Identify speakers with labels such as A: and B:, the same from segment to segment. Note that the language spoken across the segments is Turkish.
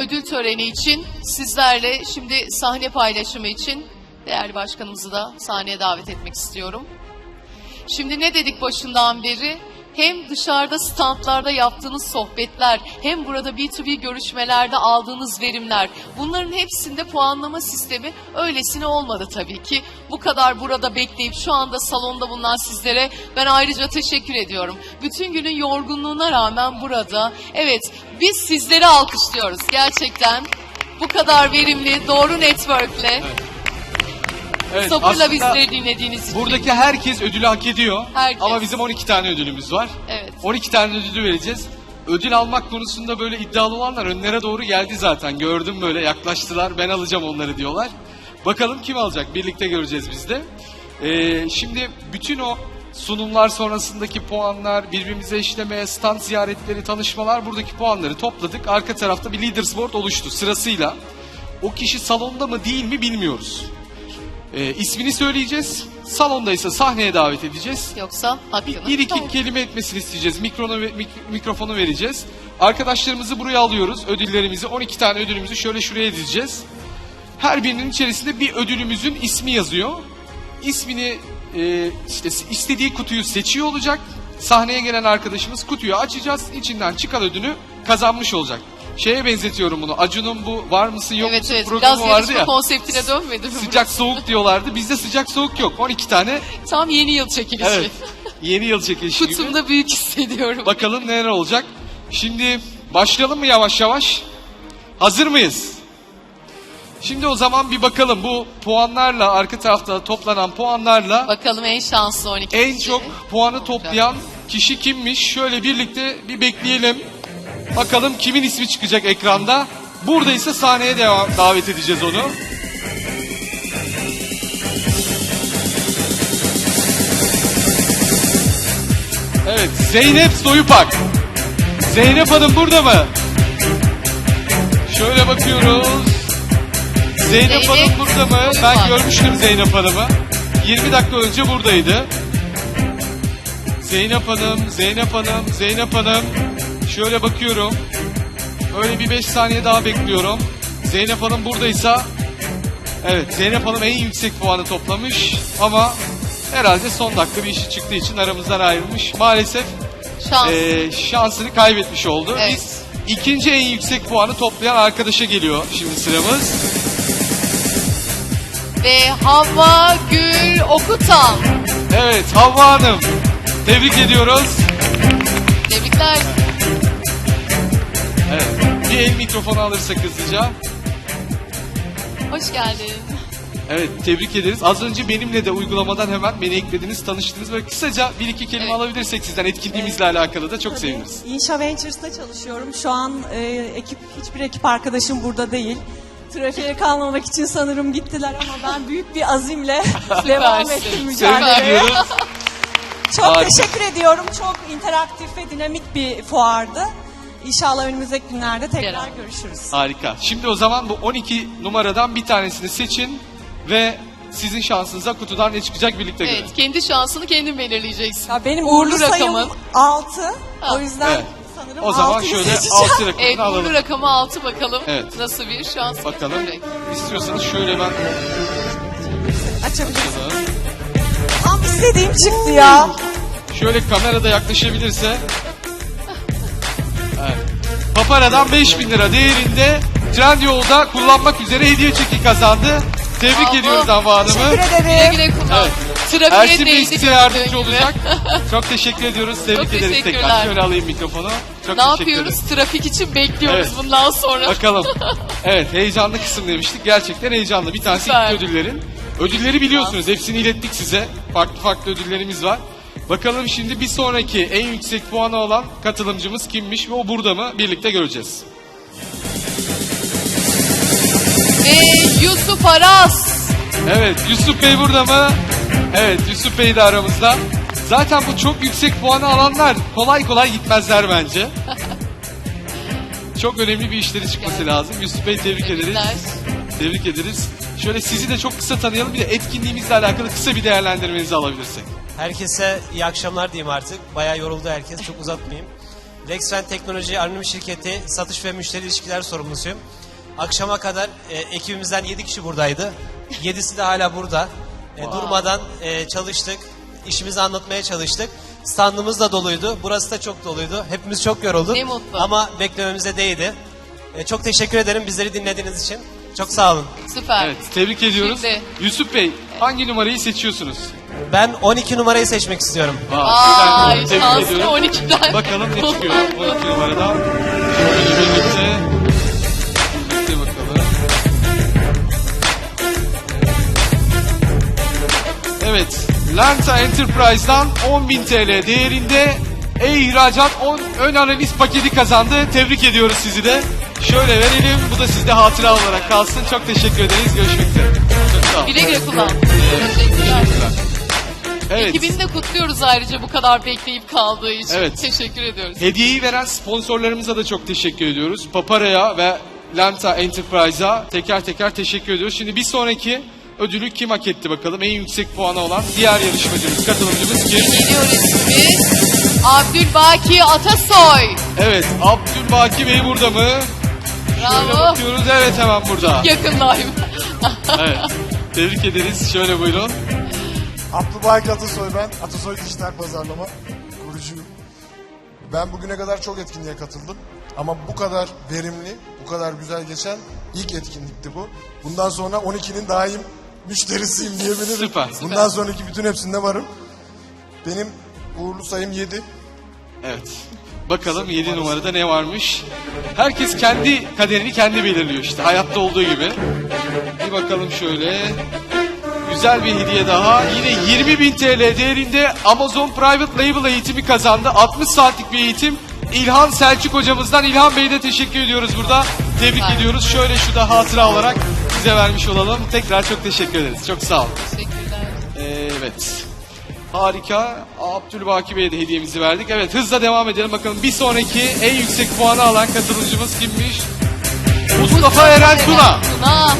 A: ödül töreni için sizlerle şimdi sahne paylaşımı için değerli başkanımızı da sahneye davet etmek istiyorum. Şimdi ne dedik başından beri? Hem dışarıda standlarda yaptığınız sohbetler, hem burada B2B görüşmelerde aldığınız verimler, bunların hepsinde puanlama sistemi öylesine olmadı tabii ki. Bu kadar burada bekleyip şu anda salonda bulunan sizlere ben ayrıca teşekkür ediyorum. Bütün günün yorgunluğuna rağmen burada, evet, biz sizleri alkışlıyoruz gerçekten. Bu kadar verimli, doğru network'le.
B: Evet,
A: Sabırla bizleri dinlediğiniz için.
B: Buradaki herkes ödülü hak ediyor.
A: Herkes.
B: Ama bizim 12 tane ödülümüz var.
A: Evet.
B: 12 tane ödülü vereceğiz. Ödül almak konusunda böyle iddialı olanlar önlere doğru geldi zaten. Gördüm böyle yaklaştılar. Ben alacağım onları diyorlar. Bakalım kim alacak? Birlikte göreceğiz biz de. Şimdi bütün o sunumlar sonrasındaki puanlar, birbirimize eşleme, stand ziyaretleri, tanışmalar, buradaki puanları topladık. Arka tarafta bir leaders board oluştu sırasıyla. O kişi salonda mı değil mi bilmiyoruz. İsmini söyleyeceğiz. Salondaysa sahneye davet edeceğiz.
A: Yoksa hakkını.
B: Bir iki kelime etmesini isteyeceğiz. Mikrofonu vereceğiz. Arkadaşlarımızı buraya alıyoruz. Ödüllerimizi, 12 tane ödülümüzü şöyle şuraya dizeceğiz. Her birinin içerisinde bir ödülümüzün ismi yazıyor. İsmini işte istediği kutuyu seçiyor olacak. Sahneye gelen arkadaşımız kutuyu açacağız. İçinden çıkan ödülü kazanmış olacak. Şeye benzetiyorum bunu. Acun'un bu var mısın yok musun
A: Evet,
B: programı
A: biraz
B: vardı ya.
A: yarışma konseptine dönmedi mi?
B: Sıcak soğuk diyorlardı. Bizde sıcak soğuk yok. 12 tane.
A: Tam yeni yıl çekilişi.
B: Evet. Yeni yıl çekilişi gibi.
A: Kutumda büyük hissediyorum.
B: Bakalım neler olacak. Şimdi başlayalım mı yavaş yavaş? Hazır mıyız? Şimdi o zaman bir bakalım bu puanlarla, arka tarafta toplanan puanlarla
A: Bakalım en şanslı 12
B: en
A: kişi.
B: çok puanı toplayan kişi kimmiş? Şöyle birlikte bir bekleyelim. Bakalım kimin ismi çıkacak ekranda. Buradaysa sahneye davet edeceğiz onu. Evet, Zeynep Soyupak. Zeynep Hanım burada mı? Şöyle bakıyoruz. Zeynep Hanım burada mı? Ben
A: Soyupak.
B: görmüştüm Zeynep Hanım'ı. 20 dakika önce buradaydı. Zeynep Hanım, Zeynep Hanım, Zeynep Hanım. Şöyle bakıyorum. Öyle bir 5 saniye daha bekliyorum. Zeynep Hanım buradaysa... Evet, Zeynep Hanım en yüksek puanı toplamış. Ama herhalde son dakika bir işi çıktığı için aramızdan ayrılmış. Maalesef
A: Şans.
B: şansını kaybetmiş oldu.
A: Evet.
B: Biz ikinci en yüksek puanı toplayan arkadaşa geliyor şimdi sıramız.
A: Ve Havva Gül Okutan.
B: Evet, Havva Hanım. Tebrik ediyoruz.
A: Tebrikler.
B: Evet, bir el mikrofonu alırsak hızlıca.
A: Hoş geldin.
B: Evet, tebrik ederiz. Az önce benimle de uygulamadan hemen beni eklediniz, tanıştınız. Böyle kısaca bir iki kelime
A: Evet.
B: alabilirsek sizden etkinliğimizle alakalı da çok seviniriz.
C: İnşa Ventures'ta çalışıyorum. Şu an hiçbir ekip arkadaşım burada değil. Trafiğe kalmamak için sanırım gittiler ama ben büyük bir azimle devam
A: Süpersin.
C: ettim
B: Tebrik
C: mücadeleye.
B: ediyorum.
C: Çok
B: Harika.
C: teşekkür ediyorum. Çok interaktif ve dinamik bir fuardı. İnşallah önümüzdeki günlerde tekrar
A: Beraber.
C: görüşürüz.
B: Harika. Şimdi o zaman bu 12 numaradan bir tanesini seçin ve sizin şansınıza kutudan ne çıkacak birlikte görelim.
A: Evet, kendi şansını kendin belirleyeceksin.
C: Ya benim
A: Uğurlu
C: uğurlu sayım
A: rakamın.
C: 6.
A: Ha.
C: O yüzden
B: Evet.
C: sanırım
B: O zaman
C: 6'yı
B: şöyle
C: seçeceğim.
B: 6 rakamını
A: Evet,
B: alalım.
A: uğurlu rakamı 6 bakalım.
B: Evet.
A: Nasıl bir şans
B: Bakalım.
A: getirecek.
B: İstiyorsanız şöyle ben
C: Açabilirsin. Tam istediğim çıktı ya.
B: şöyle kamerada yaklaşabilirse. Evet. Papara'dan 5.000 lira değerinde Trendyol'da kullanmak üzere hediye çeki kazandı. Tebrik
A: Bravo.
B: ediyoruz Havva Hanım'ı.
C: Teşekkür
A: Güle
C: ederim.
A: güle kullan.
B: Evet.
A: Trafiğe
B: Ersin Bey
A: değdi
B: size
A: gördüğün
B: yardımcı
A: gibi.
B: olacak. Çok teşekkür ediyoruz. Tebrik
A: Çok
B: ederiz
A: teşekkürler.
B: tekrar. Şöyle alayım mikrofonu. Çok
A: Ne
B: teşekkür
A: yapıyoruz?
B: ederiz.
A: Trafik için bekliyoruz
B: Evet.
A: bundan sonra.
B: Bakalım. Evet, heyecanlı kısım demiştik. Gerçekten heyecanlı. Bir tanesi
A: Süper.
B: ilk ödüllerin. Ödülleri biliyorsunuz. Hepsini ilettik size. Farklı farklı ödüllerimiz var. Bakalım şimdi bir sonraki en yüksek puanı olan katılımcımız kimmiş ve o burada mı? Birlikte göreceğiz.
A: Ve Yusuf Aras.
B: Evet, Yusuf Bey burada mı? Evet, Yusuf Bey de aramızda. Zaten bu çok yüksek puanı alanlar kolay kolay gitmezler bence. Çok önemli bir işleri çıkması lazım. Yusuf Bey tebrik ederiz.
A: Tebrikler.
B: Tebrik ederiz. Şöyle sizi de çok kısa tanıyalım. Bir de etkinliğimizle alakalı kısa bir değerlendirmenizi alabilirsek.
D: Herkese iyi akşamlar diyeyim artık. Bayağı yoruldu herkes. Çok uzatmayayım. Rexven Teknoloji Anonim Şirketi Satış ve Müşteri İlişkiler Sorumlusuyum. Akşama kadar ekibimizden 7 kişi buradaydı. 7'si de hala burada. Durmadan çalıştık. İşimizi anlatmaya çalıştık. Standımız da doluydu. Burası da çok doluydu. Hepimiz çok yorulduk.
A: Ne mutlu.
D: Ama beklememize değdi. Çok teşekkür ederim bizleri dinlediğiniz için. Çok sağ olun.
A: Süper.
B: Evet, tebrik ediyoruz.
A: Şimdi-
B: Yusuf Bey, hangi numarayı seçiyorsunuz?
D: Ben 12 numarayı seçmek istiyorum.
A: Ay,
B: Tebrik
A: şanslı
B: ediyorum.
A: 12'den.
B: Bakalım ne çıkıyor 12 numaradan. Şöyle birlikte. Birlikte bakalım. Evet, Lanta Enterprise'dan 10.000 TL değerinde e-ihracat 10 ön analiz paketi kazandı. Tebrik ediyoruz sizi de. Şöyle verelim, bu da sizde hatıra olarak kalsın. Çok teşekkür ederiz, görüşmek üzere. Çok sağ olun.
A: Güle güle kullan. Teşekkürler.
B: Evet.
A: Ekibini de kutluyoruz ayrıca bu kadar bekleyip kaldığı için.
B: Evet.
A: Teşekkür ediyoruz.
B: Hediyeyi veren sponsorlarımıza da çok teşekkür ediyoruz. Papara'ya ve Lanta Enterprise'a teker teker teşekkür ediyoruz. Şimdi bir sonraki ödülü kim hak etti bakalım? En yüksek puanı olan diğer yarışmacımız, katılımcımız kim?
A: Geliyor ismimiz Abdülbaki Atasoy.
B: Evet, Abdülbaki Bey burada mı? Şöyle
A: Bravo.
B: bakıyoruz, evet hemen burada.
A: Yakındayım.
B: Evet, tebrik ederiz. Şöyle buyurun.
E: Abdülbaki Atasoy ben. Atasoy Dijital Pazarlama kurucuyum. Ben bugüne kadar çok etkinliğe katıldım. Ama bu kadar verimli, bu kadar güzel geçen ilk etkinlikti bu. Bundan sonra 12'nin daim müşterisiyim diyebilirim.
B: Süper.
E: Bundan sonraki bütün hepsinde varım. Benim uğurlu sayım 7.
B: Evet. Bakalım 7 numarada ne varmış? Herkes kendi kaderini kendi belirliyor işte. Hayatta olduğu gibi. Bir bakalım şöyle. Güzel bir hediye daha. Yine 20.000 TL değerinde Amazon Private Label eğitimi kazandı. 60 saatlik bir eğitim. İlhan Selçuk hocamızdan. İlhan Bey'e de teşekkür ediyoruz burada. Tebrik
A: Süper.
B: ediyoruz. Şöyle şu da hatıra olarak size vermiş olalım. Tekrar çok teşekkür ederiz. Çok sağ olun.
A: Teşekkürler.
B: Evet. Harika. Abdülbaki Bey'e de hediyemizi verdik. Evet, hızla devam edelim. Bakalım bir sonraki en yüksek puanı alan katılımcımız kimmiş? Mustafa Eren Tuna.
A: Tuna.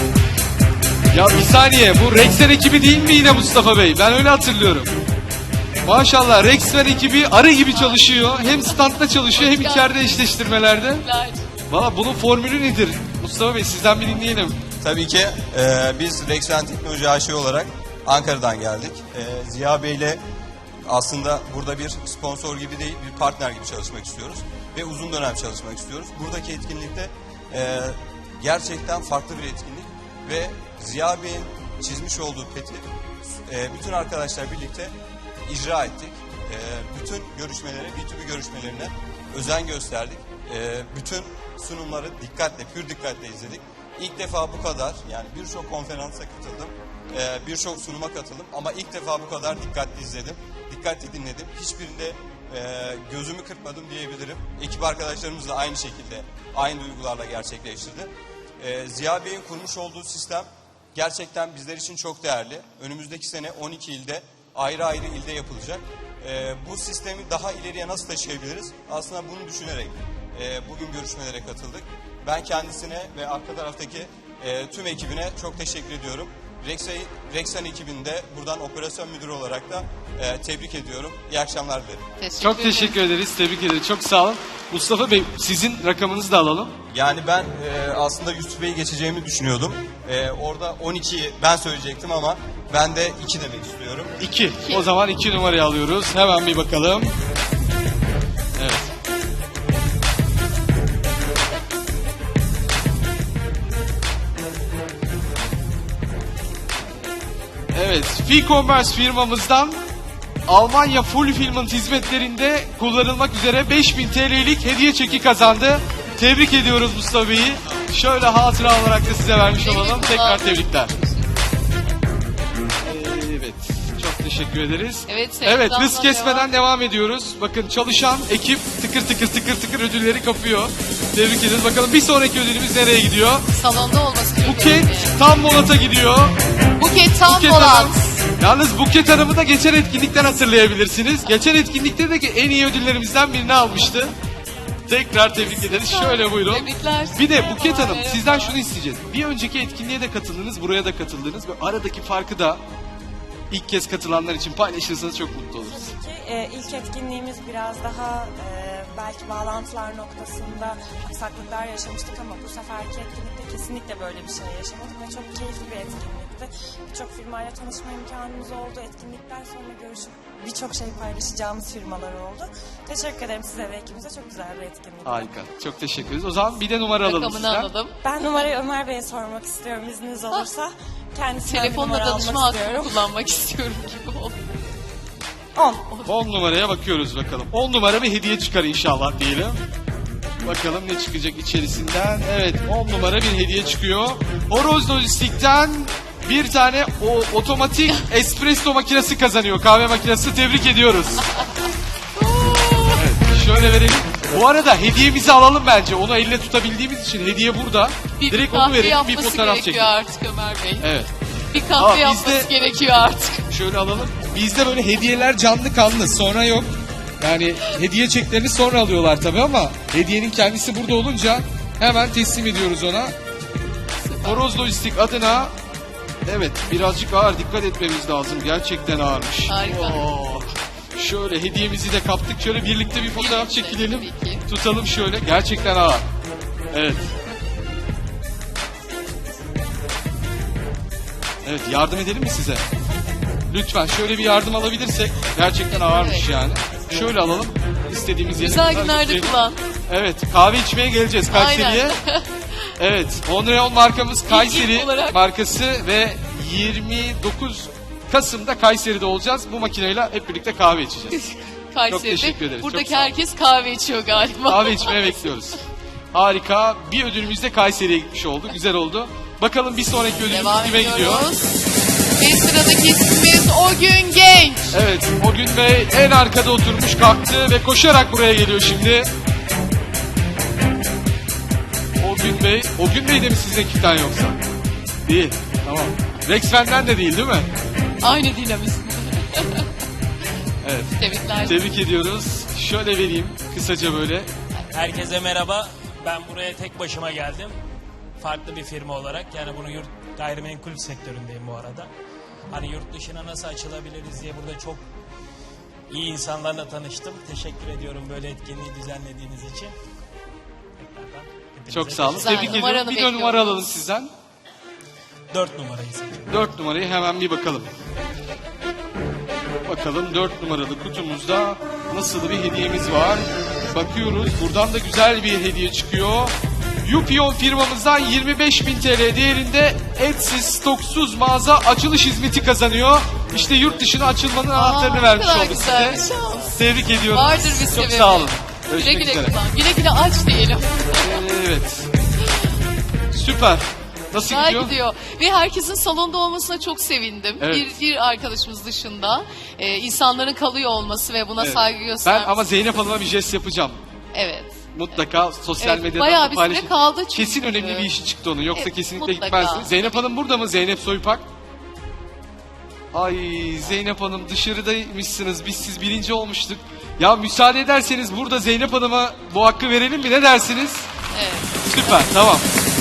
B: Ya bir saniye, bu Rexen ekibi değil mi yine Mustafa Bey? Ben öyle hatırlıyorum. Maşallah, Rexen ekibi arı gibi çalışıyor. Hem standta çalışıyor hem içeride eşleştirmelerde.
A: Teşekkürler.
B: Valla bunun formülü nedir? Mustafa Bey sizden bir dinleyelim.
F: Tabii ki biz Rexven Teknoloji AŞ olarak Ankara'dan geldik. Ziya Bey ile aslında burada bir sponsor gibi değil, bir partner gibi çalışmak istiyoruz. Ve uzun dönem çalışmak istiyoruz. Buradaki etkinlikte gerçekten farklı bir etkinlik. Ve Ziya Bey'in çizmiş olduğu peti bütün arkadaşlar birlikte icra ettik. Bütün görüşmelere, B2B görüşmelerine özen gösterdik. Bütün sunumları dikkatle, pür dikkatle izledik. İlk defa bu kadar, yani birçok konferansa katıldım, birçok sunuma katıldım ama ilk defa bu kadar dikkatli izledim, dikkatli dinledim. Hiçbirinde gözümü kırpmadım diyebilirim. Ekip arkadaşlarımız da aynı şekilde, aynı duygularla gerçekleştirdi. Ziya Bey'in kurmuş olduğu sistem gerçekten bizler için çok değerli. Önümüzdeki sene 12 ilde, ayrı ayrı ilde yapılacak. Bu sistemi daha ileriye nasıl taşıyabiliriz? Aslında bunu düşünerek bugün görüşmelere katıldık. Ben kendisine ve arka taraftaki tüm ekibine çok teşekkür ediyorum. Rexen ekibinde buradan operasyon müdürü olarak da tebrik ediyorum. İyi akşamlar dilerim.
B: Çok teşekkür ederiz, tebrik ederiz. Çok sağ olun. Mustafa Bey, sizin rakamınızı da alalım.
F: Yani ben aslında Yusuf Bey'i geçeceğimi düşünüyordum. Orada 12'yi ben söyleyecektim ama ben de 2 demek istiyorum.
B: 2. O zaman 2 numarayı alıyoruz. Hemen bir bakalım. Evet. Evet, F-Commerce firmamızdan Almanya Fulfillment hizmetlerinde kullanılmak üzere 5.000 TL'lik hediye çeki kazandı. Tebrik ediyoruz Mustafa Bey'i. Şöyle hatıra olarak da size vermiş olalım. Tekrar tebrikler. Evet, çok teşekkür ederiz.
A: Evet,
B: Evet, hız
A: Sevdan'la
B: kesmeden
A: devam.
B: devam ediyoruz. Bakın çalışan ekip tıkır tıkır tıkır tıkır ödülleri kapıyor. Tebrik ederiz. Bakalım bir sonraki ödülümüz nereye gidiyor?
A: Salonda olması çok
B: Buket
A: önemli.
B: tam Molat'a gidiyor.
A: Buket tam
B: Buket
A: Polat.
B: Hanım. Yalnız Buket Hanım'ı da geçen etkinlikten hatırlayabilirsiniz. Geçen etkinlikte de en iyi ödüllerimizden birini almıştı. Tekrar tebrik ederiz. Şöyle buyurun.
A: Tebrikler.
B: Bir de Buket Hanım
A: Merhaba.
B: sizden şunu isteyeceğiz. Bir önceki etkinliğe de katıldınız, buraya da katıldınız. Ve aradaki farkı da ilk kez katılanlar için paylaşırsanız çok mutlu oluruz.
G: İlk etkinliğimiz biraz daha
C: belki bağlantılar noktasında aksaklıklar yaşamıştık ama bu seferki etkinlikte kesinlikle böyle bir şey yaşamadık ve çok keyifli bir etkinlikti. Birçok firmayla tanışma imkanımız oldu. Etkinlikten sonra görüşüp birçok şey paylaşacağımız firmalar oldu. Teşekkür ederim size ve ekibimize. Çok güzel bir etkinlik.
B: Harika. Çok teşekkür ederiz. O zaman bir de numara alalım
A: Rakamını
B: sizden.
A: alalım.
C: Ben numarayı Ömer Bey'e sormak istiyorum izniniz olursa. Kendisinden bir
A: Telefonla
C: numara almak
A: danışma hakkını
C: istiyorum.
A: kullanmak istiyorum gibi oldu.
C: 10.
B: 10 numaraya bakıyoruz bakalım. 10 numara bir hediye çıkar inşallah diyelim. Bakalım ne çıkacak içerisinden. Evet 10 numara bir hediye çıkıyor. Horoz Lojistik'ten bir tane otomatik espresso makinesi kazanıyor. Kahve makinesi, tebrik ediyoruz. Evet, şöyle verelim. Bu arada hediyemizi alalım bence. Onu elle tutabildiğimiz için hediye burada.
A: Bir
B: Direkt onu
A: kahve
B: verelim, bir
A: yapması
B: fotoğraf
A: gerekiyor
B: çekelim.
A: artık Ömer Bey.
B: Evet.
A: Bir kahve
B: Aa,
A: yapması
B: bizde-
A: gerekiyor artık.
B: Şöyle alalım. Bizde böyle hediyeler canlı kanlı, sonra yok. Yani hediye çeklerini sonra alıyorlar tabii ama hediyenin kendisi burada olunca hemen teslim ediyoruz ona. Horoz Lojistik adına evet birazcık ağır, dikkat etmemiz lazım. Gerçekten ağırmış.
A: Harika.
B: Oo. Şöyle hediyemizi de kaptık. Şöyle birlikte bir fotoğraf
A: Birlikte,
B: çekilelim.
A: tabii ki.
B: Tutalım şöyle. Gerçekten ağır. Evet. Evet, yardım edelim mi size? Lütfen şöyle bir yardım alabilirsek. Gerçekten ağırmış
A: Evet.
B: yani. Şöyle alalım. İstediğimiz yere
A: Güzel
B: kadar
A: günlerde
B: götürelim.
A: kullan.
B: Evet, kahve içmeye geleceğiz Kayseri'ye.
A: Aynen.
B: Evet, Onreal markamız Kayseri
A: olarak.
B: markası ve 29 Kasım'da Kayseri'de olacağız. Bu makineyle hep birlikte kahve içeceğiz.
A: Kayseri'de.
B: teşekkür ederiz,
A: Buradaki
B: çok sağ olun.
A: herkes kahve içiyor galiba.
B: Kahve içmeye bekliyoruz. Harika. Bir ödülümüz de Kayseri'ye gitmiş oldu. Güzel oldu. Bakalım bir sonraki ödülümüz
A: Devam
B: kime gidiyor?
A: ediyoruz. Ve sıradaki ismimiz O Gün Genç.
B: Evet, o gün Bey en arkada oturmuş, kalktı ve koşarak buraya geliyor şimdi. O gün Bey, o gün Bey de mi sizin ekipten yoksa? Değil, tamam. Rexfen'den de değil mi?
A: Aynı dinamizm.
B: Evet.
A: Tebrikler.
B: Tebrik ediyoruz. Şöyle vereyim kısaca böyle.
G: Herkese merhaba. Ben buraya tek başıma geldim. Farklı bir firma olarak. Yani bunu gayrimenkul sektöründeyim bu arada. Hani yurt dışına nasıl açılabiliriz diye burada çok iyi insanlarla tanıştım. Teşekkür ediyorum böyle etkinliği düzenlediğiniz için. Tekrardan hepinize
B: Çok sağ olun.
A: Güzel,
B: Tebrik
A: numaranı
B: ediyorum. Bir de
A: bekliyoruz.
B: numara alalım sizden.
G: 4 numarayı seçiyorum.
B: 4 numarayı hemen bir bakalım. Bakalım 4 numaralı kutumuzda nasıl bir hediyemiz var. Bakıyoruz. Buradan da güzel bir hediye çıkıyor. Yupion firmamızdan 25.000 TL değerinde etsiz, stoksuz mağaza açılış hizmeti kazanıyor. İşte yurt dışına açılmanın anahtarını
A: ne
B: vermiş
A: kadar
B: olduk
A: güzel
B: size.
A: bir şans.
B: Tebrik ediyorum.
A: Vardır bir
B: Çok
A: sebebi.
B: sağ olun.
A: Güle
B: Görüşmek
A: güle
B: üzere.
A: kullan. Güle güle aç diyelim.
B: Evet. Süper. Nasıl
A: Güzel
B: gidiyor?
A: gidiyor. Ve herkesin salonda olmasına çok sevindim.
B: Evet.
A: Bir arkadaşımız dışında insanların kalıyor olması ve buna
B: Evet.
A: saygı
B: Ben
A: göstermesi.
B: ama Zeynep Hanım'a bir jest yapacağım.
A: Evet.
B: Mutlaka sosyal
A: Evet,
B: medyadan
A: bayağı
B: da
A: bir süre
B: paylaşın.
A: kaldı çünkü.
B: Kesin önemli bir işi çıktı onun. Yoksa
A: Evet,
B: kesinlikle
A: mutlaka.
B: gitmezdi. Zeynep Hanım burada mı? Zeynep Soypak. Ay Zeynep Hanım dışarıdaymışsınız. Biz siz birinci olmuştuk. Ya müsaade ederseniz burada Zeynep Hanım'a bu hakkı verelim mi? Ne dersiniz?
A: Evet.
B: Süper. Tamam.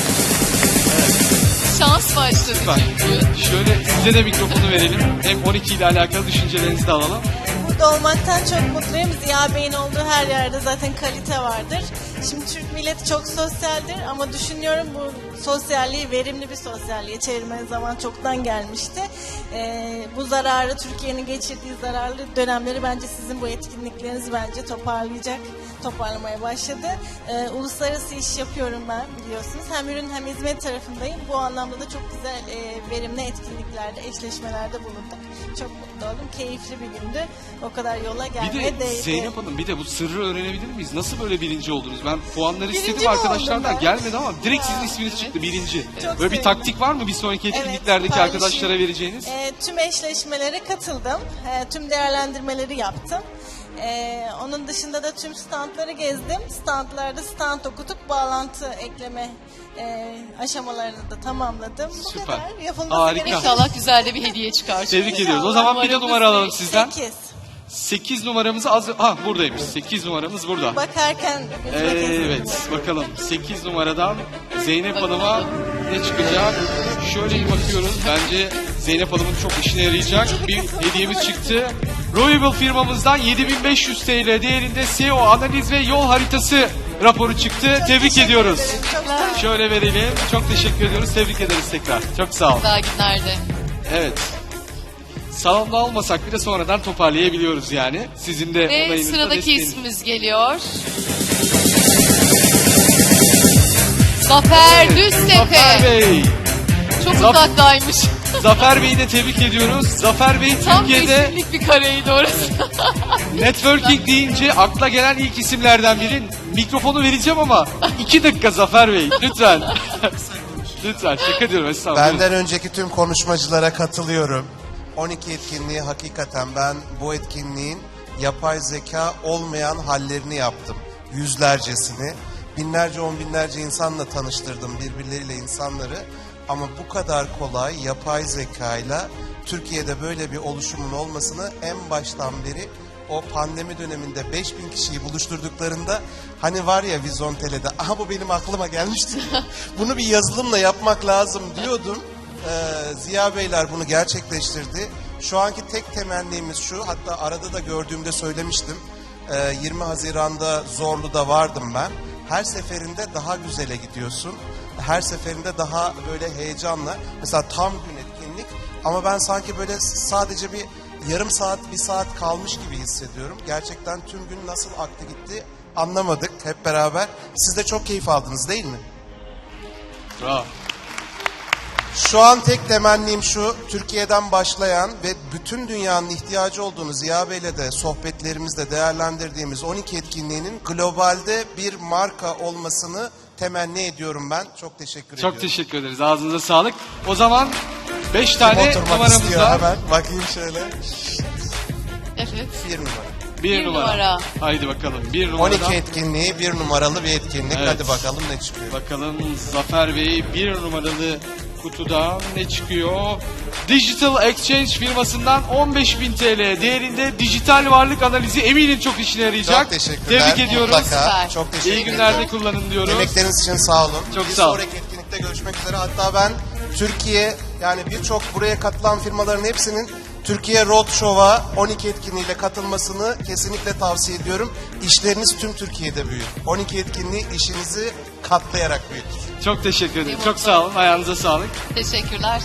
A: Şans başladı
B: Süper.
A: çünkü.
B: Şöyle size de mikrofonu verelim. Hem 12 ile alakalı düşüncelerinizi de alalım.
H: Burada olmaktan çok mutluyum. Ziya Bey'in olduğu her yerde zaten kalite vardır. Şimdi Türk milleti çok sosyaldir ama düşünüyorum bu sosyalliği verimli bir sosyalliğe çevirme zaman çoktan gelmişti. Bu zararı, Türkiye'nin geçirdiği zararlı dönemleri bence sizin bu etkinlikleriniz bence toparlamaya başladı. Uluslararası iş yapıyorum ben biliyorsunuz. Hem ürün hem hizmet tarafındayım. Bu anlamda da çok güzel verimli etkinliklerde, eşleşmelerde bulunduk. Çok mutlu oldum. Keyifli bir gündü. O kadar yola
B: Bir
H: gelmeye
B: de
H: değdi.
B: Zeynep Hanım bir de bu sırrı öğrenebilir miyiz? Nasıl böyle birinci oldunuz? Ben puanları
H: Birinci
B: istedim
H: mi
B: arkadaşlardan
H: oldum ben?
B: gelmedi ama direkt
H: Ya,
B: sizin isminiz çıktı birinci.
H: Çok
B: Böyle bir
H: sevindim.
B: taktik var mı bir sonraki etkinliklerdeki
H: paylaşayım.
B: arkadaşlara vereceğiniz?
H: Tüm eşleşmelere katıldım. Tüm değerlendirmeleri yaptım. Onun dışında da tüm standları gezdim. Standlarda stand okutup bağlantı ekleme aşamalarını da tamamladım. Bu
B: Süper.
H: kadar. Yapılması
B: Harika.
H: gereken
A: İnşallah güzel de bir hediye çıkar.
B: Tebrik ediyoruz. O zaman bir de numara alalım sizden.
H: 8.
B: 8 numaramızı buradaymış. 8 numaramız burada.
H: Bakarken gözüme kesildi.
B: Evet bakalım 8 numaradan Zeynep Hanım'a ne çıkacak? Şöyle bir bakıyoruz. Bence Zeynep Hanım'ın çok işine yarayacak bir hediyemiz çıktı. Royable firmamızdan 7500 TL değerinde SEO analiz ve yol haritası raporu çıktı. Tebrik ediyoruz. Şöyle verelim. Çok teşekkür ediyoruz. Tebrik ederiz tekrar. Çok sağ olun.
A: Daha günlerde.
B: Evet. Salonda olmasak bile sonradan toparlayabiliyoruz yani. Sizin de
A: Ve
B: onayınızla,
A: sıradaki
B: desteğiniz.
A: ismimiz geliyor. Zafer Düztepe.
B: Zafer Bey.
A: Çok
B: Zaf-
A: uzaktaymış.
B: Zafer Bey'i de tebrik ediyoruz. Zafer Bey
A: Tam
B: Türkiye'de
A: yeşillik bir kareydi orası.
B: networking deyince akla gelen ilk isimlerden biri. Mikrofonu vereceğim ama 2 dakika Zafer Bey. Lütfen. Lütfen. Şaka diyorum. Estağfurullah.
I: Benden önceki tüm konuşmacılara katılıyorum. 12 etkinliği hakikaten ben bu etkinliğin yapay zeka olmayan hallerini yaptım. Yüzlercesini. Binlerce, on binlerce insanla tanıştırdım, birbirleriyle insanları. Ama bu kadar kolay yapay zekayla Türkiye'de böyle bir oluşumun olmasını en baştan beri o pandemi döneminde 5000 kişiyi buluşturduklarında hani var ya Vizontele'de aha bu benim aklıma gelmişti. Bunu bir yazılımla yapmak lazım diyordum. Ziya Beyler bunu gerçekleştirdi. Şu anki tek temennimiz şu, hatta arada da gördüğümde söylemiştim. 20 Haziran'da Zorlu'da vardım ben. Her seferinde daha güzele gidiyorsun. Her seferinde daha böyle heyecanla. Mesela tam gün etkinlik ama ben sanki böyle sadece bir yarım saat, bir saat kalmış gibi hissediyorum. Gerçekten tüm gün nasıl aktı gitti anlamadık hep beraber. Siz de çok keyif aldınız değil mi?
B: Bravo.
I: Şu an tek temennim şu, Türkiye'den başlayan ve bütün dünyanın ihtiyacı olduğunu Ziya Bey'le de sohbetlerimizde değerlendirdiğimiz 12 etkinliğinin globalde bir marka olmasını temenni ediyorum ben. Çok teşekkür ediyorum.
B: Çok teşekkür ederiz. Ağzınıza sağlık. O zaman 5
I: Kim
B: tane
I: oturmak
B: numaramız
I: istiyor
B: var.
I: hemen? Bakayım şöyle.
A: Evet.
I: Bir numara.
B: Bir
A: Bir
B: numara.
A: numara.
B: Haydi bakalım. Bir numaradan
I: 12 etkinliği, bir numaralı bir etkinlik.
B: Evet.
I: Hadi bakalım ne çıkıyor.
B: bakalım Zafer Bey bir numaralı kutudan ne çıkıyor? Digital Exchange firmasından 15.000 TL değerinde dijital varlık analizi, eminim çok işine yarayacak.
I: Çok teşekkürler.
B: Tebrik ediyoruz.
I: Mutlaka.
A: Süper.
I: Çok teşekkür
B: İyi
I: ederim.
B: günlerde kullanın diyoruz.
I: Emekleriniz için sağ olun.
B: Çok
I: bir
B: sağ olun.
I: sonraki etkinlikte görüşmek üzere. Hatta ben Türkiye, yani birçok buraya katılan firmaların hepsinin Türkiye Roadshow'a 12 etkinliğiyle katılmasını kesinlikle tavsiye ediyorum. İşleriniz tüm Türkiye'de büyür. 12 etkinliği işinizi katlayarak büyütür.
B: Çok teşekkür ederim. Çok sağ olun. Ayağınıza sağlık.
A: Teşekkürler.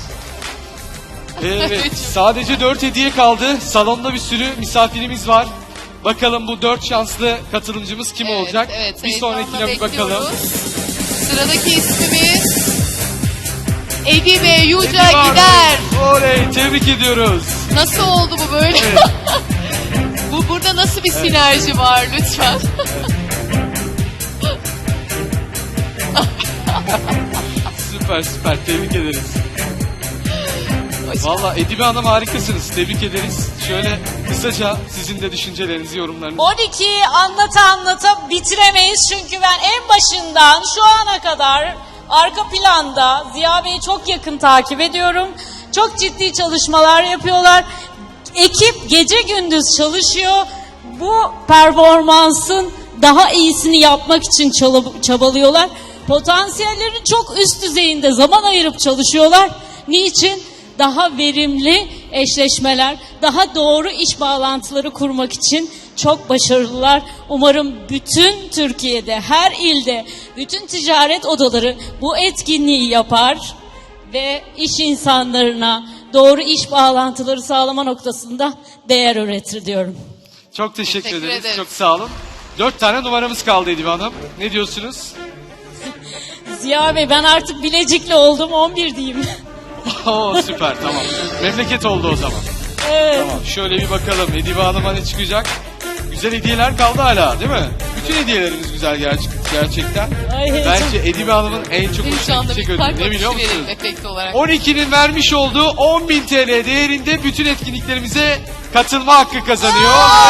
B: Evet. Sadece 4 hediye kaldı. Salonda bir sürü misafirimiz var. Bakalım bu 4 şanslı katılımcımız kim olacak?
A: Evet,
B: bir
A: heyecanla
B: sonrakine bir bakalım.
A: bekliyoruz. Sıradaki ismimiz Edime Yüce
B: Edi var.
A: Gider.
B: Oley, tebrik ediyoruz.
A: Nasıl oldu bu böyle?
B: Evet.
A: Bu burada nasıl bir sinerji var lütfen?
B: Süper süper, tebrik ederiz. Valla Edibe Hanım harikasınız. Tebrik ederiz. Şöyle kısaca sizin de düşüncelerinizi, yorumlarınızı.
J: 12'yi anlata bitiremeyiz çünkü ben en başından şu ana kadar arka planda Ziya Bey'i çok yakın takip ediyorum. Çok ciddi çalışmalar yapıyorlar. Ekip gece gündüz çalışıyor. Bu performansın daha iyisini yapmak için çabalıyorlar. Potansiyellerin çok üst düzeyinde zaman ayırıp çalışıyorlar. Niçin? Daha verimli eşleşmeler, daha doğru iş bağlantıları kurmak için çok başarılılar. Umarım bütün Türkiye'de, her ilde, bütün ticaret odaları bu etkinliği yapar ve iş insanlarına doğru iş bağlantıları sağlama noktasında değer üretir diyorum.
B: Çok teşekkür
A: Teşekkür
B: ederiz.
A: ederiz.
B: Çok sağ olun. 4 tane numaramız kaldı Edibe Hanım. Ne diyorsunuz?
J: Ziya Bey ben artık Bilecikli oldum, 11 diyeyim.
B: Oo süper, tamam. Memleket oldu o zaman.
J: Evet.
B: Tamam, şöyle bir bakalım Edibe Hanım'a ne çıkacak? Güzel hediyeler kaldı hala değil mi? Bütün hediyelerimiz güzel gerçekten.
J: Ay, heyecan.
B: Bence Edibe Hanım'ın en çok
A: Benim şu
B: hoşuna
A: anda
B: gidecek
A: bir
B: ödül
A: kalp
B: ne biliyor
A: atışı verelim
B: musunuz?
A: efekti olarak.
B: 12'nin vermiş olduğu 10.000 TL değerinde bütün etkinliklerimize katılma hakkı kazanıyor.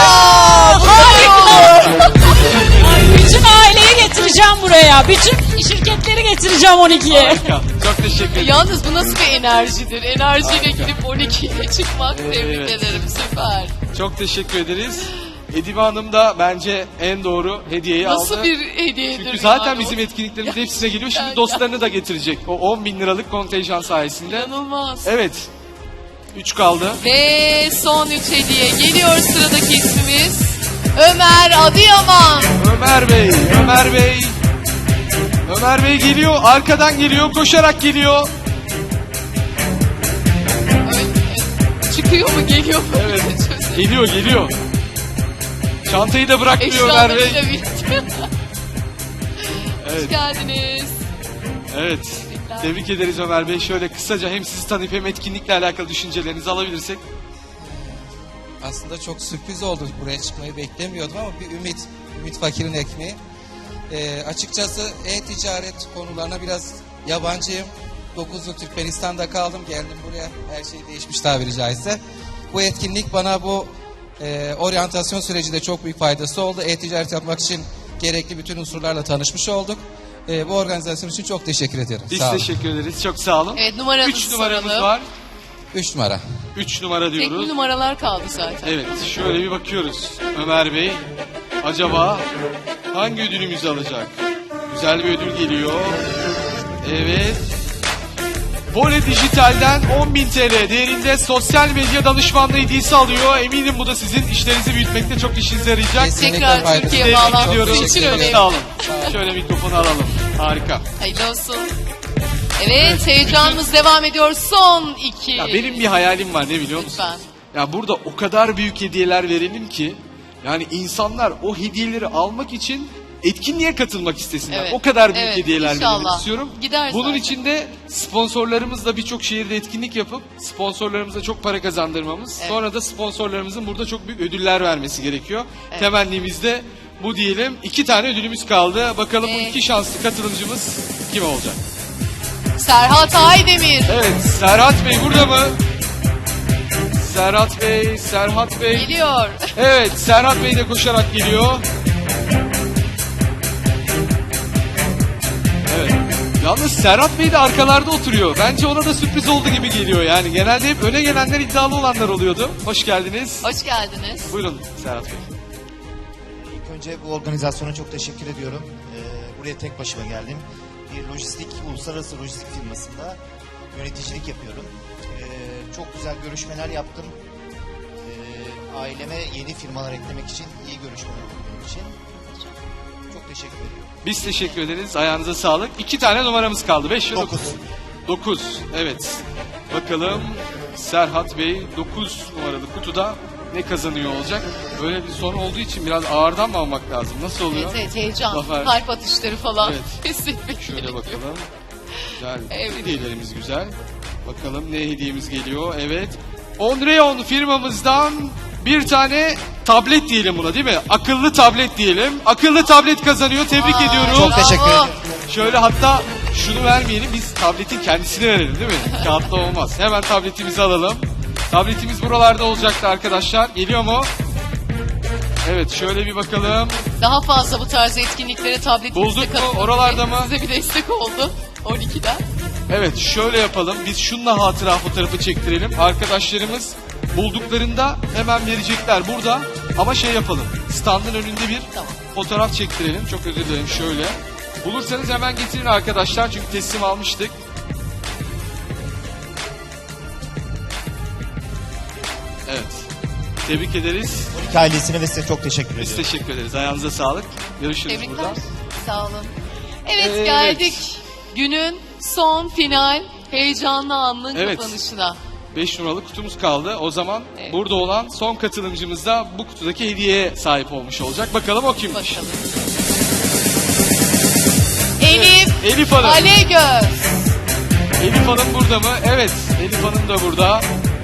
J: Bütün aileyi getireceğim buraya. Bütün şirketleri getireceğim 12'ye.
B: Harika. Çok teşekkür ederim.
A: Yalnız bu nasıl bir enerjidir? Enerjiyle gidip 12'ye çıkmak, tebrik
B: Evet.
A: ederim, süper.
B: Çok teşekkür ederiz. Edibe Hanım da bence en doğru hediyeyi aldı.
A: Nasıl bir hediyedir
B: Çünkü zaten
A: yani o?
B: bizim etkinliklerimiz hepsine geliyor. Şimdi
A: Yani-
B: dostlarını da getirecek. O 10.000 liralık kontenjan sayesinde.
A: İnanılmaz.
B: Evet. 3 kaldı.
A: Ve son 3 hediye geliyor, sıradaki ismimiz Ömer Adıyaman.
B: Ömer Bey, Ömer Bey. Ömer Bey geliyor, arkadan geliyor, koşarak geliyor.
A: Çıkıyor mu, geliyor mu?
B: Evet, geliyor, geliyor. Çantayı da bırakmıyor Ömer Bey.
A: Eşyalarıyla birlikte. Hoş
B: Evet,
A: geldiniz.
B: evet. Tebrik ederiz Ömer Bey. Şöyle kısaca hem sizi tanıyıp hem etkinlikle alakalı düşüncelerinizi alabilirsek.
K: Aslında çok sürpriz oldu. Buraya çıkmayı beklemiyordum ama bir ümit fakirin ekmeği. Açıkçası e-ticaret konularına biraz yabancıyım. 9 yıl Türkmenistan'da kaldım. Geldim buraya. Her şey değişmiş tabiri caizse. Bu etkinlik bana bu oryantasyon sürecinde çok büyük faydası oldu. E-ticaret yapmak için gerekli bütün unsurlarla tanışmış olduk. Bu organizasyon için çok teşekkür ederim.
B: Biz
K: Sağ olun.
B: teşekkür ederiz. Çok sağ olun.
A: Evet, numaramızı
B: 3 numaramız
A: soralım.
B: var.
K: 3 numara.
B: 3 numara
A: Tekli
B: diyoruz.
A: numaralar kaldı zaten.
B: Evet, şöyle bir bakıyoruz. Ömer Bey, acaba hangi ödülümüzü alacak? Güzel bir ödül geliyor. Evet. Vole Dijital'den 10.000 TL değerinde sosyal medya danışmanlığı hediyesi alıyor. Eminim bu da sizin işlerinizi büyütmekte çok işinize yarayacak.
K: Kesinlikle
A: Tekrar
K: faydası.
A: Türkiye
B: Tebrik
A: bağlantısı
B: ediyoruz.
A: için
K: Çok
A: önemli.
B: Sağ olun. Şöyle mikrofonu alalım. Harika.
A: Hayırlı olsun. Evet, heyecanımız devam ediyor. Son 2.
B: Ya benim bir hayalim var, ne biliyor musun?
A: Lütfen.
B: Ya burada o kadar büyük hediyeler verelim ki yani insanlar o hediyeleri almak için etkinliğe katılmak istesinler.
A: Evet,
B: O kadar büyük
A: evet,
B: hediyeler verelim
A: inşallah.
B: istiyorum.
A: Gider
B: Bunun
A: zaten.
B: için de sponsorlarımızla birçok şehirde etkinlik yapıp sponsorlarımıza çok para kazandırmamız,
A: Evet.
B: sonra da sponsorlarımızın burada çok büyük ödüller vermesi gerekiyor.
A: Evet.
B: Temennimiz de bu diyelim. 2 tane ödülümüz kaldı. Bakalım bu
A: Evet.
B: 2 şanslı katılımcımız kim olacak?
A: Serhat Aydemir.
B: Evet, Serhat Bey burada mı? Serhat Bey, Serhat Bey.
A: Geliyor.
B: Evet, Serhat Bey de koşarak geliyor. Evet. Yalnız Serhat Bey de arkalarda oturuyor. Bence ona da sürpriz oldu gibi geliyor yani. Genelde hep öne gelenler iddialı olanlar oluyordu. Hoş geldiniz.
A: Hoş geldiniz.
B: Buyurun Serhat Bey.
L: İlk önce bu organizasyona çok teşekkür ediyorum. Buraya tek başıma geldim. Bir uluslararası lojistik firmasında yöneticilik yapıyorum. Çok güzel görüşmeler yaptım. Aileme yeni firmalar eklemek için iyi görüşmeler oldu benim için. Çok teşekkür ediyorum.
B: Biz teşekkür ederiz. Ayağınıza sağlık. 2 tane numaramız kaldı. 5 ve 9.
L: 9.
B: 9. Evet. Bakalım Serhat Bey 9 numaralı kutuda ne kazanıyor olacak? Böyle bir son olduğu için biraz ağırdan mı almak lazım? Nasıl oluyor?
A: Evet, evet, heyecan,
B: Zafer.
A: kalp atışları falan
B: Evet.
A: hissetmek
B: Şöyle
A: gerekiyor.
B: bakalım. Güzel.
A: Evet.
B: Hediyelerimiz güzel. Bakalım ne hediyemiz geliyor. Evet. Onreon firmamızdan bir tane tablet diyelim buna, değil mi? Akıllı tablet diyelim. Akıllı tablet kazanıyor. Tebrik ediyorum.
L: Çok teşekkür ederim.
B: Şöyle hatta şunu vermeyelim, biz tabletin kendisini verelim, değil mi? Kağıtla olmaz. Hemen tabletimizi alalım. Tabletimiz buralarda olacaktı arkadaşlar. Geliyor mu? Evet, şöyle bir bakalım.
A: Daha fazla bu tarz etkinliklere tabletimizde
B: Bulduk mu?
A: katılın.
B: Oralarda mı?
A: Size bir destek oldu 12'den.
B: Evet, şöyle yapalım. Biz şunla hatıra fotoğrafı çektirelim. Arkadaşlarımız bulduklarında hemen verecekler burada. Ama şey yapalım. Standın önünde bir
A: Tamam.
B: fotoğraf çektirelim. Çok özür dilerim, şöyle. Bulursanız hemen getirin arkadaşlar. Çünkü teslim almıştık. Evet. Tebrik ederiz.
L: 12 ailesine ve size çok teşekkür
B: Biz
L: ediyorum.
B: teşekkür ederiz. Ayağınıza sağlık. Görüşürüz
A: Tebrikler.
B: burada.
A: Sağ olun. Evet,
B: Evet.
A: geldik günün son final heyecanlı anının
B: Evet.
A: kapanışına.
B: 5 numaralı kutumuz kaldı. O zaman
A: Evet.
B: burada olan son katılımcımız da bu kutudaki hediyeye sahip olmuş olacak. Bakalım o kimmiş?
A: Bakalım. Elif
B: Elif Hanım.
A: Alegöz.
B: Elif Hanım burada mı? Evet. Elif Hanım da burada.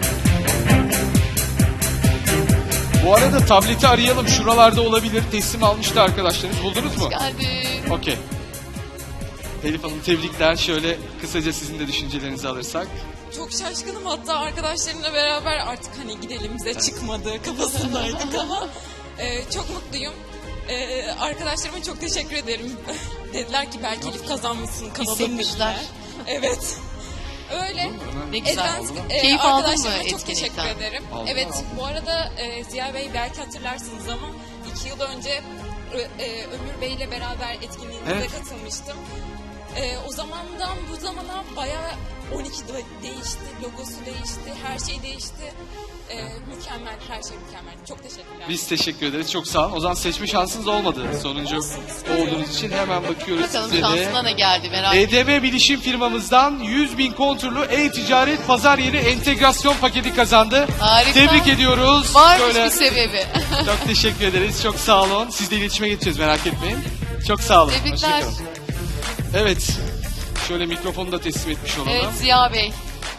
B: Bu arada tableti arayalım. Şuralarda olabilir. Teslim almıştı arkadaşlarınız. Buldunuz mu?
A: Geldin.
B: Okey. Elif Hanım tebrikler. Şöyle kısaca sizin de düşüncelerinizi alırsak.
M: Çok şaşkınım, hatta arkadaşlarımla beraber artık hani gidelim bize çıkmadı kafasındaydık ama çok mutluyum. Arkadaşlarıma çok teşekkür ederim. Dediler ki belki Elif kazanmışsın, kalalım
A: Hissetmişler.
M: dediler. Evet. Öyle.
A: Ne güzel. Keyif aldın mı
M: Arkadaşlarıma çok teşekkür
A: etkinlikten?
M: ederim.
B: Aldım,
M: Evet,
B: aldım.
M: bu arada Ziya Bey belki hatırlarsınız ama 2 yıl önce Ömür Bey ile beraber etkinliğinize
B: Evet.
M: katılmıştım. O zamandan bu zamana bayağı 12 değişti, logosu değişti, her şey değişti. Mükemmel, her şey mükemmel. Çok teşekkürler.
B: Biz teşekkür ederiz. Çok sağ olun. O zaman seçme şansınız olmadı. Sonuncu olduğunuz için hemen bakıyoruz
A: Bakalım
B: size de.
A: şansına ne geldi merak ettim.
B: EDM Bilişim firmamızdan 100.000 konturlu e-ticaret pazar yeri entegrasyon paketi kazandı.
A: Harika.
B: Tebrik ediyoruz.
A: Varmış
B: Şöyle-
A: bir sebebi.
B: Çok teşekkür ederiz. Çok sağ olun. Sizle iletişime geçeceğiz, merak etmeyin. Çok sağ olun.
A: Tebrikler.
B: Hoşçakalın. Evet. Şöyle mikrofonu da teslim etmiş olalım.
A: Evet Ziya Bey.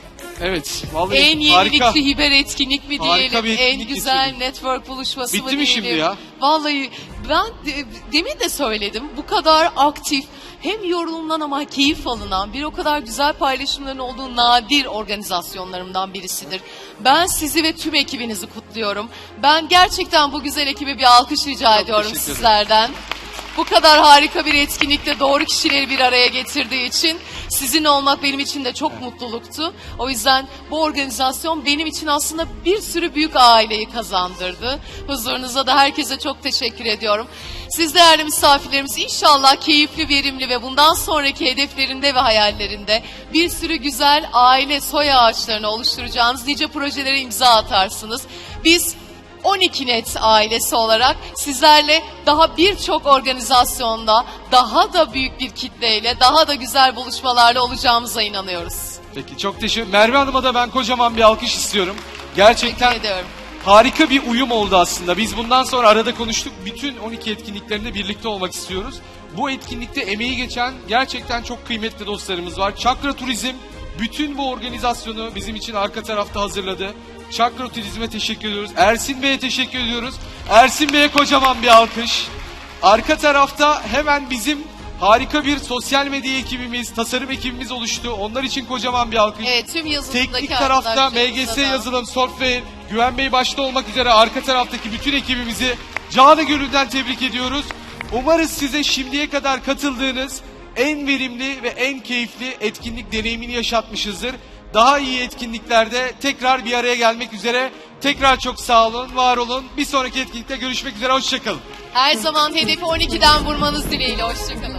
B: Evet. Vallahi
A: En
B: harika.
A: yenilikli hiber etkinlik mi
B: Harika
A: diyelim,
B: bir
A: en
B: etkinlik
A: güzel
B: geçirdik.
A: network buluşması
B: Bitti
A: mı
B: mi
A: diyelim.
B: şimdi ya?
A: Vallahi ben demin de söyledim, bu kadar aktif, hem yorulunan ama keyif alınan, bir o kadar güzel paylaşımların olduğu nadir organizasyonlarımdan birisidir. Ben sizi ve tüm ekibinizi kutluyorum. Ben gerçekten bu güzel ekibe bir alkış rica ediyorum
B: teşekkür ederim.
A: sizlerden. Bu kadar harika bir etkinlikte doğru kişileri bir araya getirdiği için sizin olmak benim için de çok mutluluktu. O yüzden bu organizasyon benim için aslında bir sürü büyük aileyi kazandırdı. Huzurunuza da herkese çok teşekkür ediyorum. Siz değerli misafirlerimiz inşallah keyifli, verimli ve bundan sonraki hedeflerinde ve hayallerinde bir sürü güzel aile soy ağaçlarını oluşturacağınız nice projelere imza atarsınız. Biz 12 Net ailesi olarak sizlerle daha birçok organizasyonda daha da büyük bir kitleyle daha da güzel buluşmalarla olacağımıza inanıyoruz.
B: Peki çok teşekkür. Merve Hanım'a da ben kocaman bir alkış istiyorum. Gerçekten
A: Teşekkür ediyorum.
B: harika bir uyum oldu aslında. Biz bundan sonra arada konuştuk. Bütün 12 etkinliklerinde birlikte olmak istiyoruz. Bu etkinlikte emeği geçen gerçekten çok kıymetli dostlarımız var. Çakra Turizm bütün bu organizasyonu bizim için arka tarafta hazırladı. Çakra Turizm'e teşekkür ediyoruz. Ersin Bey'e teşekkür ediyoruz. Ersin Bey'e kocaman bir alkış. Arka tarafta hemen bizim harika bir sosyal medya ekibimiz, tasarım ekibimiz oluştu. Onlar için kocaman bir alkış.
A: Evet, tüm yazılımdaki
B: Teknik tarafta
A: arkadaşlarımıza
B: MGS
A: da.
B: Yazılım, Software, Güven Bey başta olmak üzere arka taraftaki bütün ekibimizi canı gönülden tebrik ediyoruz. Umarız size şimdiye kadar katıldığınız en verimli ve en keyifli etkinlik deneyimini yaşatmışızdır. Daha iyi etkinliklerde tekrar bir araya gelmek üzere. Tekrar çok sağ olun, var olun. Bir sonraki etkinlikte görüşmek üzere, hoşçakalın.
A: Her zaman hedefi 12'den vurmanız dileğiyle. Hoşçakalın.